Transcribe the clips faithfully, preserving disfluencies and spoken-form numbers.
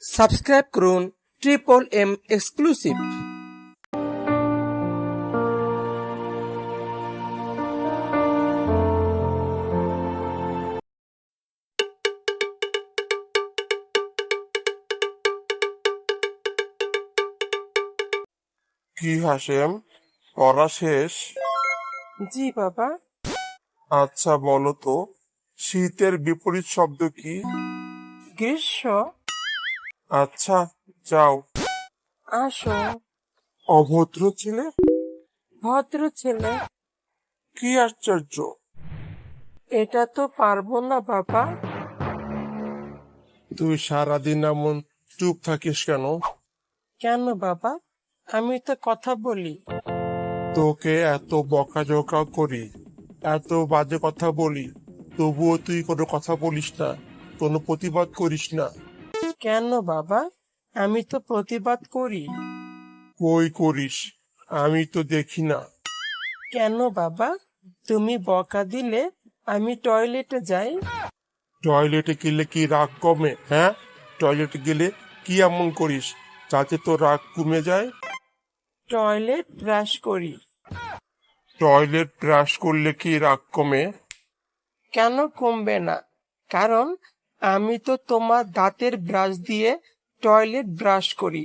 Subscribe করুন triple M exclusive. কি হাসেম, পড়া শেষ? জি বাবা। আচ্ছা বলো তো, শীতের বিপরীত শব্দ কি? গ্রীষ্ম। আচ্ছা যাও। আসো। অভদ্র ছেলে। ভদ্র ছেলে। কি আশ্চর্য! এটা তো পারবো না বাবা। তুই সারাদিন এমন চুপ থাকিস কেন? কেন বাবা, আমি তো কথা বলি। তোকে এত বকাঝকা করি, এত বাজে কথা বলি, তবুও তুই কোনো কথা বলিস না, কোনো প্রতিবাদ করিস না। কেন বাবা, আমি তো প্রতিবাদ করি। কই করিস? আমি তো দেখি না। কেন বাবা, তুমি বকা দিলে আমি টয়লেটে যাই। টয়লেটে গেলে কি রাগ কমে? হ্যাঁ, টয়লেটে গেলে কি এমন করিস যাতে তোর রাগ কমে যায়? টয়লেট ব্রাশ করি। টয়লেট ব্রাশ করলে কি রাগ কমে? কেন কমবে না? কারণ আমি তো তোমার দাঁতের ব্রাশ দিয়ে টয়লেট ব্রাশ করি।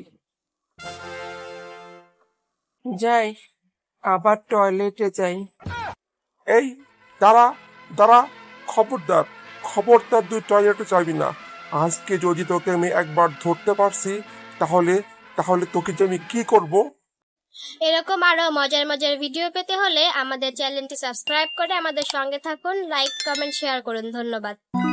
যাই, আবার টয়লেটে যাই। এই দাঁড়া, দাঁড়া, খবরদার, খবরদার তুই টয়লেটে যাবি না। আজকে যদি তোকে আমি একবার ধরতে পারছি, তাহলে তাহলে তোকে যে আমি কি করব? এরকম আরো মজার মজার ভিডিও পেতে হলে আমাদের চ্যানেলটি সাবস্ক্রাইব করে আমাদের সঙ্গে থাকুন। লাইক, কমেন্ট, শেয়ার করুন। ধন্যবাদ।